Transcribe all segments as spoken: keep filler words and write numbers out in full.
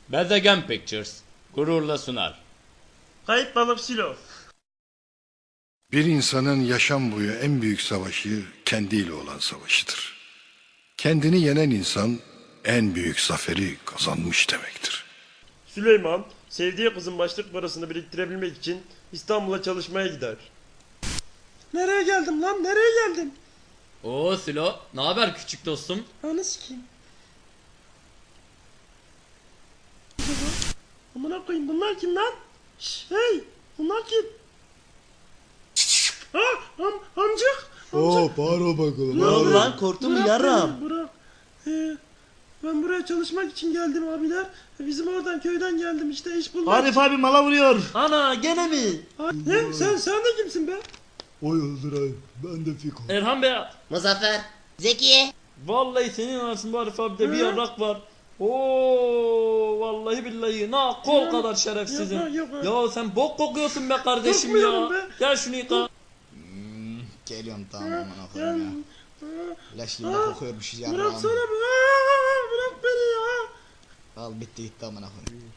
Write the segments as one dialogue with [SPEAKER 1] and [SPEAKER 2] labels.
[SPEAKER 1] Bezegen Pictures gururla sunar.
[SPEAKER 2] Kayıp balık Silo.
[SPEAKER 3] Bir insanın yaşam boyu en büyük savaşı kendiyle olan savaşıdır. Kendini yenen insan en büyük zaferi kazanmış demektir.
[SPEAKER 2] Süleyman sevdiği kızın başlık parasını biriktirebilmek için İstanbul'a çalışmaya gider. Nereye geldim lan? Nereye geldim?
[SPEAKER 1] Oo Silo, ne haber küçük dostum?
[SPEAKER 2] Anı sikeyim. Amına koyayım, bunlar kim lan? Şş, hey, bunlar kim? Ha, am, amcık.
[SPEAKER 4] Oo bağırma bakalım.
[SPEAKER 2] Ne
[SPEAKER 4] bağırma.
[SPEAKER 5] lan, korktun mu
[SPEAKER 2] Bırak
[SPEAKER 5] yarram?
[SPEAKER 2] beni, Bırak. Ee, ben buraya çalışmak için geldim abiler. Bizim oradan köyden geldim işte, iş bulmak.
[SPEAKER 5] Arif abi mala vuruyor. Ana gene mi?
[SPEAKER 2] Ha, ne? Sen, sen de kimsin be?
[SPEAKER 4] Oy Yıldıray, ben de Fiko.
[SPEAKER 1] Erhan Bey,
[SPEAKER 6] Muzaffer. Zekiye.
[SPEAKER 1] vallahi senin arasında Arif abi de bir
[SPEAKER 2] Hı?
[SPEAKER 1] yarrak var. Oo vallahi billahi na kol
[SPEAKER 2] Ya,
[SPEAKER 1] kadar şerefsizim.
[SPEAKER 2] yapma, yapma.
[SPEAKER 1] Ya sen bok kokuyorsun be kardeşim ya.
[SPEAKER 2] Kokmuyorum be.
[SPEAKER 1] Gel şunu yıka.
[SPEAKER 5] Geliyorum tamam
[SPEAKER 2] Ha,
[SPEAKER 5] aman
[SPEAKER 2] ya,
[SPEAKER 5] koyayım ya.
[SPEAKER 2] ha,
[SPEAKER 5] Leş gibi
[SPEAKER 2] ha,
[SPEAKER 5] kokuyormuş ya.
[SPEAKER 2] bıraksana be. Aa, bırak beni ya.
[SPEAKER 5] Al bitti gitti aman koyayım.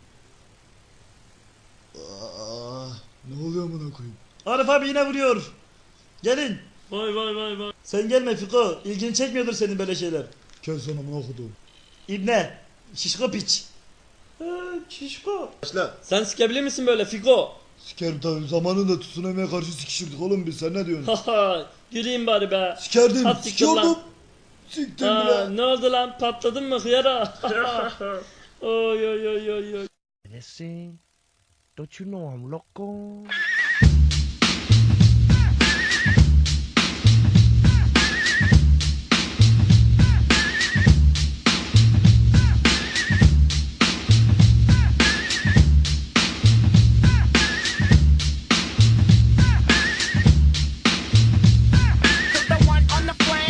[SPEAKER 5] Aa,
[SPEAKER 4] Ne oluyor amına koyayım?
[SPEAKER 5] Arif abi yine vuruyor. Gelin.
[SPEAKER 1] Vay vay vay vay.
[SPEAKER 5] Sen gelme Fiko. İlgini çekmiyordur senin böyle şeyler.
[SPEAKER 4] Kes onu amına kodum.
[SPEAKER 5] İbne. Şişko piç.
[SPEAKER 2] Ha, şişko.
[SPEAKER 5] Başla.
[SPEAKER 1] Sen sikebilir misin böyle Fiko?
[SPEAKER 4] Sikerim tabii, zamanında tsunami'ye karşı sikişirdik oğlum biz, sen ne diyorsun?
[SPEAKER 1] Haha güleyim bari be.
[SPEAKER 4] Sikerdim,
[SPEAKER 1] At siktir lan.
[SPEAKER 4] sikiyordum. Siktim
[SPEAKER 1] Ha,
[SPEAKER 4] bile.
[SPEAKER 1] ne oldu lan, patladın mı hıyara? Oy oy oy oy oy.
[SPEAKER 7] Listen, don't you know I'm loco?